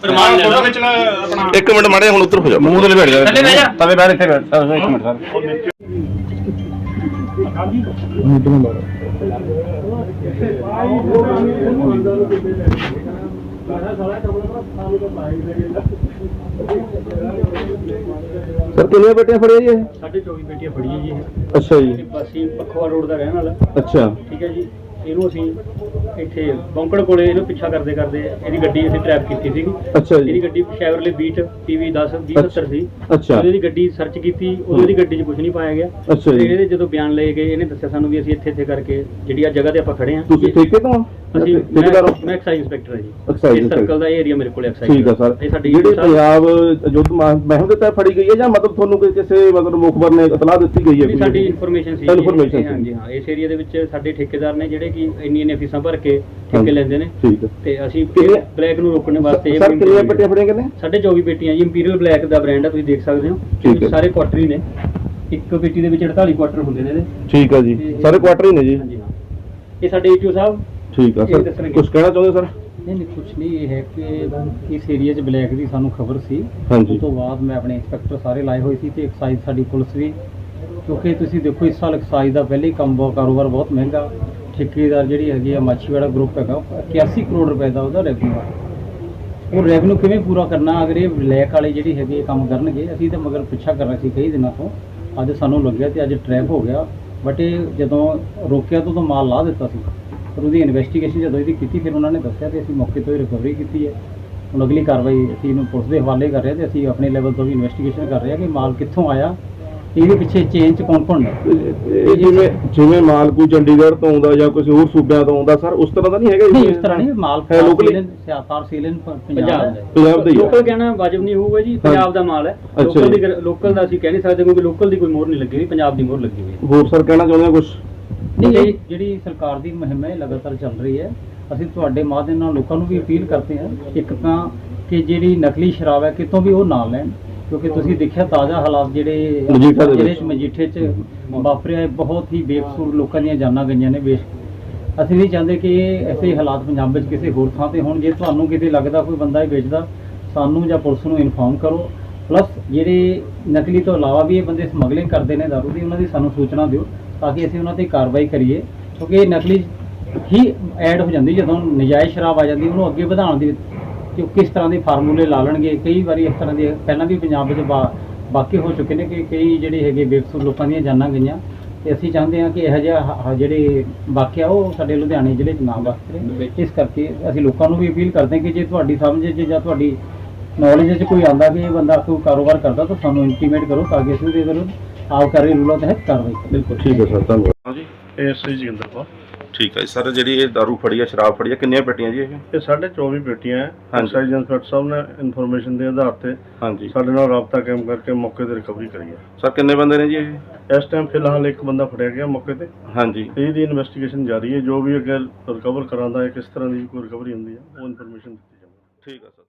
ਪ੍ਰਮਾਣ ਫੋਟੋ ਖਿੱਚਣਾ ਆਪਣਾ। ਇੱਕ ਮਿੰਟ ਮਾੜੇ ਹੁਣ ਉੱਤਰ ਹੋ ਜਾ, ਮੂੰਹ ਤੇ ਬੈਠ ਜਾ, ਥੱਲੇ ਬਹਿ ਜਾ। ਤਵੇ ਬੈਠ ਇੱਥੇ ਬੈਠ ਸਰ, ਇੱਕ ਮਿੰਟ ਸਰ। ਸਰ ਕਿੰਨੀਆਂ ਬੇਟੀਆਂ ਫੜੀਆਂ ਜੀ ਇਹ? 24 ਬੇਟੀਆਂ ਫੜੀਆਂ ਜੀ। ਅੱਛਾ ਜੀ। ਅਸੀਂ ਪੱਖੋਵਾ ਰੋਡ ਦਾ ਰਹਿਣ ਵਾਲਾ। ਅੱਛਾ ਠੀਕ ਹੈ ਜੀ। ਇਹਨੂੰ ਅਸੀਂ ਇੱਥੇ ਬੌਂਕੜ ਕੋਲੇ ਇਹਨੂੰ ਪਿੱਛਾ ਕਰਦੇ ਕਰਦੇ ਇਹਦੀ ਗੱਡੀ ਅਸੀਂ ਟਰੈਪ ਕੀਤੀ ਸੀਗੀ। ਅੱਛਾ ਜੀ। ਇਹਦੀ ਗੱਡੀ ਸ਼ੈਵਰਲੇ ਬੀਟ PV 10 2070 ਸੀ। ਅੱਛਾ। ਉਹਦੀ ਗੱਡੀ ਸਰਚ ਕੀਤੀ, ਉਹਦੀ ਗੱਡੀ 'ਚ ਕੁਝ ਨਹੀਂ ਪਾਇਆ ਗਿਆ। ਅੱਛਾ ਜੀ। ਇਹਦੇ ਜਦੋਂ ਬਿਆਨ ਲਏ ਗਏ ਇਹਨੇ ਦੱਸਿਆ ਸਾਨੂੰ ਵੀ ਅਸੀਂ ਇੱਥੇ ਕਰਕੇ ਜਿਹੜੀ ਆ ਜਗ੍ਹਾ ਤੇ ਆਪਾਂ ਖੜੇ ਹਾਂ। ਤੁਸੀਂ ਠੇਕੇ ਤੋਂ? ਅਸੀਂ ਠੇਕੇਦਾਰ ਹੋ? ਮੈਂ ਐਕਸਾਈਜ਼ ਇੰਸਪੈਕਟਰ ਹਾਂ ਜੀ। ਐਕਸਾਈਜ਼ ਇਸ ਸਰਕਲ ਦਾ ਏਰੀਆ ਮੇਰੇ ਕੋਲ ਐਕਸਾਈਜ਼। ਠੀਕ ਆ ਸਰ। ਇਹ ਸਾਡੀ ਜਿਹੜੀ ਪੰਜਾਬ ਯੁੱਧ ਮਹਿਮ ਦੇ ਤਹਿਤ ਫੜੀ ਗਈ ਹੈ ਜਾਂ ਮਤਲਬ ਤੁਹਾਨੂੰ ਕਿਸੇ ਮਤਲਬ ਮੁਖਬਰ ਨੇ ਇਤਲਾਹ ਦਿੱਤੀ ਗਈ ਹੈ? ਸਾਡੀ ਇਨਫੋਰਮੇਸ਼ਨ ਸੀ। ਇਨਫੋਰਮੇਸ਼ਨ ਸੀ। ਹਾਂਜੀ ਹਾਂ। ਇਸ ਏਰੀਆ ਦੇ ਵਿੱਚ ਸਾਡੇ ਠੇਕੇਦਾਰ ਨੇ ਜਿਹੜੇ ਕਿ ਇੰਨੀਆਂ ਫੀਸਾਂ ਭਰ ਕੇ ਠੇਕੇ ਲੈਂਦੇ ਨੇ। ਠੀਕ ਹੈ। ਤੇ ਅਸੀਂ ਬਲੈਕ ਨੂੰ ਰੋਕਣ ਵਾਸਤੇ ਸਰ ਕਿੰਨੀਆਂ ਬੇਟੀਆਂ ਫੜੀਆਂ ਕਿੰਨੇ? 24 ਬੇਟੀਆਂ ਜੀ। ਇੰਪੀਰੀਅਲ ਬਲੈਕ ਦਾ ਬ੍ਰਾਂਡ ਆ, ਤੁਸੀਂ ਦੇਖ ਸਕਦੇ ਹੋ। ਸਾਰੇ ਕੁਆਟਰ ਹੀ ਨੇ। ਇੱਕ ਬੇਟੀ ਦੇ ਵਿੱਚ 48 ਕੁਆਟਰ ਹੁੰਦੇ ਨੇ ਇਹਦੇ। ਠੀਕ ਆ ਜੀ। ਸਾਰੇ ਕੁਆਟਰ ਹੀ ਨੇ ਜੀ। ਹਾਂਜੀ ਹਾਂ। ਇਹ ਸਾਡੇ ETO ਸਾਹਿਬ। ਠੀਕ ਆ ਸਰ। ਕੁਝ ਕਹਿਣਾ ਚਾਹੁੰਦੇ ਸਰ? ਨਹੀਂ ਕੁਝ ਨਹੀਂ। ਇਹ ਹੈ ਕਿ ਇਸ ਏਰੀਆ 'ਚ ਬਲੈਕ ਦੀ ਸਾਨੂੰ ਖਬਰ ਸੀ। ਹਾਂਜੀ। ਉਸ ਤੋਂ ਬਾਅਦ ਮੈਂ ਆਪਣੇ ਇੰਸਪੈਕਟਰ ਸਾਰੇ ਲਾਏ ਹੋਏ ਸੀ ਤੇ ਐਕਸਾਈਜ਼ ਸਾਡੀ ਪੁਲਿਸ ਵੀ, ਕਿਉਂਕਿ ਤੁਸੀਂ ਦੇਖੋ ਇਸ ਸਾਲ ਐਕਸਾਈਜ਼ ਦਾ ਪਹਿਲੇ ਹੀ ਕਾਰੋਬਾਰ ਬਹੁਤ ਮਹਿੰਗਾ। ਠੇਕੇਦਾਰ ਜਿਹੜੀ ਹੈਗੀ ਆ ਮਾਛੀਵਾੜਾ ਗਰੁੱਪ ਹੈਗਾ, 81 ਕਰੋੜ ਰੁਪਏ ਦਾ ਉਹਦਾ ਰੈਵਨਿਊ ਆ। ਉਹ ਰੈਵਨਿਊ ਕਿਵੇਂ ਪੂਰਾ ਕਰਨਾ ਅਗਰ ਇਹ ਬਲੈਕ ਵਾਲੇ ਜਿਹੜੀ ਹੈਗੇ ਕੰਮ ਕਰਨਗੇ? ਅਸੀਂ ਤਾਂ ਮਗਰ ਪਿੱਛਾ ਕਰ ਰਹੇ ਸੀ ਕਈ ਦਿਨਾਂ ਤੋਂ। ਅੱਜ ਸਾਨੂੰ ਲੱਗਿਆ ਤੇ ਅੱਜ ਟਰੈਪ ਹੋ ਗਿਆ। ਬਟ ਇਹ ਜਦੋਂ ਰੋਕਿਆ ਤਾਂ ਮਾਲ ਲਾ ਦਿੱਤਾ ਸੀ। ਪਰ ਉਹਦੀ ਇਨਵੈਸਟੀਗੇਸ਼ਨ ਜਦੋਂ ਇਹਦੀ ਕੀਤੀ ਫਿਰ ਉਹਨਾਂ ਨੇ ਦੱਸਿਆ ਤੇ ਅਸੀਂ ਮੌਕੇ ਤੋਂ ਹੀ ਰਿਕਵਰੀ ਕੀਤੀ ਹੈ। ਹੁਣ ਅਗਲੀ ਕਾਰਵਾਈ ਅਸੀਂ ਇਹਨੂੰ ਪੁਲਿਸ ਦੇ ਹਵਾਲੇ ਕਰ ਰਹੇ ਹਾਂ ਤੇ ਅਸੀਂ ਆਪਣੇ ਲੈਵਲ ਤੋਂ ਵੀ ਇਨਵੈਸਟੀਗੇਸ਼ਨ ਕਰ ਰਹੇ ਹਾਂ ਕਿ ਮਾਲ ਕਿੱਥੋਂ ਆਇਆ, ਇਹਦੇ ਪਿੱਛੇ ਚੇਨ 'ਚ ਕੌਣ ਨੇ। ਜਿਵੇਂ ਮਾਲ ਕੋਈ ਚੰਡੀਗੜ੍ਹ ਤੋਂ ਆਉਂਦਾ ਜਾਂ ਕਿਸੇ ਹੋਰ ਸੂਬਿਆਂ ਤੋਂ ਆਉਂਦਾ ਸਰ, ਉਸ ਤਰ੍ਹਾਂ ਦਾ ਨਹੀਂ ਹੈਗਾ? ਨਹੀਂ ਇਸ ਤਰ੍ਹਾਂ ਨਹੀਂ। ਮਾਲ ਸਿਆਤਾਰ ਸੀਲਨ ਪੰਜਾਬ ਦਾ ਲੋਕਲ ਕਹਿਣਾ ਵਾਜਬ ਨਹੀਂ ਹੋਊਗਾ ਜੀ। ਪੰਜਾਬ ਦਾ ਮਾਲ ਹੈ। ਲੋਕਲ ਦਾ ਅਸੀਂ ਕਹਿ ਨਹੀਂ ਸਕਦੇ ਕਿਉਂਕਿ ਲੋਕਲ ਦੀ ਕੋਈ ਮੋਹਰ ਨਹੀਂ ਲੱਗੀ ਹੋਈ, ਪੰਜਾਬ ਦੀ ਮੋਹਰ ਲੱਗੀ ਹੋਈ ਹੈ। ਹੋਰ ਸਰ ਕਹਿਣਾ ਚਾਹੁੰਦੇ ਕੁਝ? ਨਹੀਂ, ਇਹ ਜਿਹੜੀ ਸਰਕਾਰ ਦੀ ਮੁਹਿੰਮ ਹੈ ਲਗਾਤਾਰ ਚੱਲ ਰਹੀ ਹੈ। ਅਸੀਂ ਤੁਹਾਡੇ ਮਾਧਿਅਮ ਨਾਲ ਲੋਕਾਂ ਨੂੰ ਵੀ ਅਪੀਲ ਕਰਦੇ ਹਾਂ ਇੱਕ ਤਾਂ ਕਿ ਜਿਹੜੀ ਨਕਲੀ ਸ਼ਰਾਬ ਹੈ ਕਿਤੋਂ ਵੀ ਉਹ ਨਾ ਲੈਣ, ਕਿਉਂਕਿ ਤੁਸੀਂ ਦੇਖਿਆ ਤਾਜ਼ਾ ਹਾਲਾਤ ਜਿਹੜੇ ਮਜੀਠੇ 'ਚ ਵਾਪਰਿਆ, ਬਹੁਤ ਹੀ ਬੇਕਸੂਰ ਲੋਕਾਂ ਦੀਆਂ ਜਾਨਾਂ ਗਈਆਂ ਨੇ। ਅਸੀਂ ਨਹੀਂ ਚਾਹੁੰਦੇ ਕਿ ਐਸੇ ਹਾਲਾਤ ਪੰਜਾਬ ਵਿੱਚ ਕਿਸੇ ਹੋਰ ਥਾਂ ਤੇ ਹੋਣ। ਜੇ ਤੁਹਾਨੂੰ ਕਿਤੇ ਲੱਗਦਾ ਕੋਈ ਬੰਦਾ ਇਹ ਵੇਚਦਾ, ਸਾਨੂੰ ਜਾਂ ਪੁਲਿਸ ਨੂੰ ਇਨਫੋਰਮ ਕਰੋ। ਪਲੱਸ ਜਿਹੜੇ ਨਕਲੀ ਤੋਂ ਇਲਾਵਾ ਵੀ ਇਹ ਬੰਦੇ ਸਮਗਲਿੰਗ ਕਰਦੇ ਨੇ ਦਾਰੂ ਦੀ, ਉਹਨਾਂ ਦੀ ਸਾਨੂੰ ਸੂਚਨਾ ਦਿਓ ਤਾਂ ਕਿ ਅਸੀਂ ਉਹਨਾਂ 'ਤੇ ਕਾਰਵਾਈ ਕਰੀਏ। ਕਿਉਂਕਿ ਇਹ ਨਕਲੀ ਹੀ ਐਡ ਹੋ ਜਾਂਦੀ ਜਦੋਂ ਨਜਾਇਜ਼ ਸ਼ਰਾਬ ਆ ਜਾਂਦੀ, ਉਹਨੂੰ ਅੱਗੇ ਵਧਾਉਣ ਦੀ ਕਿ ਕਿਸ ਤਰ੍ਹਾਂ ਦੇ ਫਾਰਮੂਲੇ ਲਾ ਲੈਣਗੇ। ਕਈ ਵਾਰੀ ਇਸ ਤਰ੍ਹਾਂ ਦੇ ਪਹਿਲਾਂ ਵੀ ਪੰਜਾਬ ਵਿੱਚ ਵਾਕਿਆ ਹੋ ਚੁੱਕੇ ਨੇ ਕਿ ਕਈ ਜਿਹੜੇ ਹੈਗੇ ਬੇਕਸੂਰ ਲੋਕਾਂ ਦੀਆਂ ਜਾਨਾਂ ਗਈਆਂ। ਤੇ ਅਸੀਂ ਚਾਹੁੰਦੇ ਹਾਂ ਕਿ ਇਹੋ ਜਿਹਾ ਜਿਹੜੇ ਵਾਕਿਆ ਉਹ ਸਾਡੇ ਲੁਧਿਆਣੇ ਜ਼ਿਲ੍ਹੇ 'ਚ ਨਾ ਵਾਪਰੇ। ਇਸ ਕਰਕੇ ਅਸੀਂ ਲੋਕਾਂ ਨੂੰ ਵੀ ਅਪੀਲ ਕਰਦੇ ਹਾਂ ਕਿ ਜੇ ਤੁਹਾਡੀ ਸਮਝ 'ਚ ਜਾਂ ਤੁਹਾਡੀ ਨੌਲੇਜ 'ਚ ਕੋਈ ਆਉਂਦਾ ਕਿ ਇਹ ਬੰਦਾ ਕੋਈ ਕਾਰੋਬਾਰ ਕਰਦਾ ਤਾਂ ਸਾਨੂੰ ਇੰਟੀਮੇਟ ਕਰੋ ਤਾਂ ਕਿ ਅਸੀਂ ਉਹਦੇ ਵਿਰੁੱਧ ਆਬਕਾਰੀ ਰੂਲਾਂ ਤਹਿਤ ਕਾਰਵਾਈ ਕਰੀਏ। ਬਿਲਕੁਲ ਠੀਕ ਹੈ ਸਰ, ਧੰਨਵਾਦ। ਹਾਂਜੀ ASI ਜੋਗਿੰਦਰ ਕੌਰ। ਠੀਕ ਹੈ ਸਰ। ਜਿਹੜੀ ਇਹ ਦਾਰੂ ਫੜੀ ਹੈ, ਸ਼ਰਾਬ ਫੜੀ ਹੈ, ਕਿੰਨੀਆਂ ਪੇਟੀਆਂ ਜੀ ਇਹ? ਇਹ 24 ਬੇਟੀਆਂ ਹੈ। ਐਕਸਾਈਜ਼ ਇੰਸਪੈਕਟਰ ਸਾਹਿਬ ਨੇ ਇਨਫੋਰਮੇਸ਼ਨ ਦੇ ਆਧਾਰ ਤੇ ਹਾਂਜੀ ਸਾਡੇ ਨਾਲ ਰਾਬਤਾ ਕਾਇਮ ਕਰਕੇ ਮੌਕੇ ਤੇ ਰਿਕਵਰੀ ਕਰੀ ਹੈ। ਸਰ ਕਿੰਨੇ ਬੰਦੇ ਨੇ ਜੀ ਇਹ? ਇਸ ਟਾਈਮ ਫਿਲਹਾਲ ਇੱਕ ਬੰਦਾ ਫੜਿਆ ਗਿਆ ਮੌਕੇ ਤੇ। ਹਾਂਜੀ। ਇਹਦੀ ਇਨਵੈਸਟੀਗੇਸ਼ਨ ਜਾਰੀ ਹੈ। ਜੋ ਵੀ ਅੱਗੇ ਰਿਕਵਰ ਕਰਾਂਦਾ ਹੈ, ਕਿਸ ਤਰ੍ਹਾਂ ਦੀ ਕੋਈ ਰਿਕਵਰੀ ਹੁੰਦੀ ਹੈ, ਉਹ ਇਨਫੋਰਮੇਸ਼ਨ ਦਿੱਤੀ ਜਾਵੇਗੀ। ਠੀਕ ਹੈ ਸਰ।